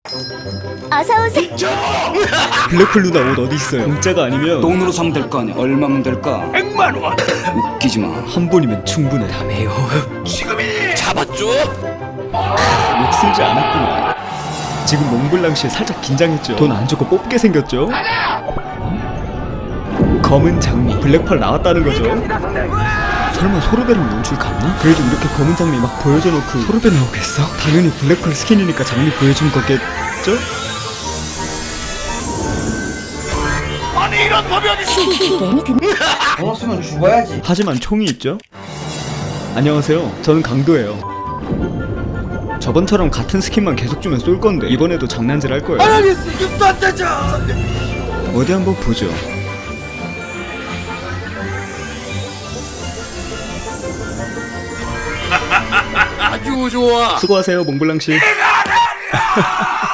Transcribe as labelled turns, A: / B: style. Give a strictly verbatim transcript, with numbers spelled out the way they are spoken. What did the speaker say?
A: 어서오세요.
B: 블랙풀 누나 옷 어디 있어요? 공짜가 아니면
C: 돈으로 사면 될 거 아니야. 얼마면 될까?
D: 백만 원.
C: 웃기지 마.
B: 한 번이면 충분해.
C: 다메요.
D: 지금이니. 잡았죠?
B: 욕 쓰지 않았구나. 지금 몽블랑씨 살짝 긴장했죠? 돈 안 주고 뽑게 생겼죠? 검은 장미 블랙펄 나왔다는 거죠? 설마 소르베랑 연출 같나? 그래도 이렇게 검은 장미 막 보여줘놓고 소르베 나오겠어? 당연히 블랙펄 스킨이니까 장미 보여준 거겠죠?
D: 아니 이런 법이 어딨어?
A: 게임이 든.
E: 먹었으면 죽어야지.
B: 하지만 총이 있죠? 안녕하세요, 저는 강도예요. 저번처럼 같은 스킨만 계속 주면 쏠 건데 이번에도 장난질 할 거예요.
D: 알겠어. 이것도 안 되죠.
B: 어디 한번 보죠.
D: 아주 좋아.
B: 수고하세요, 몽블랑씨.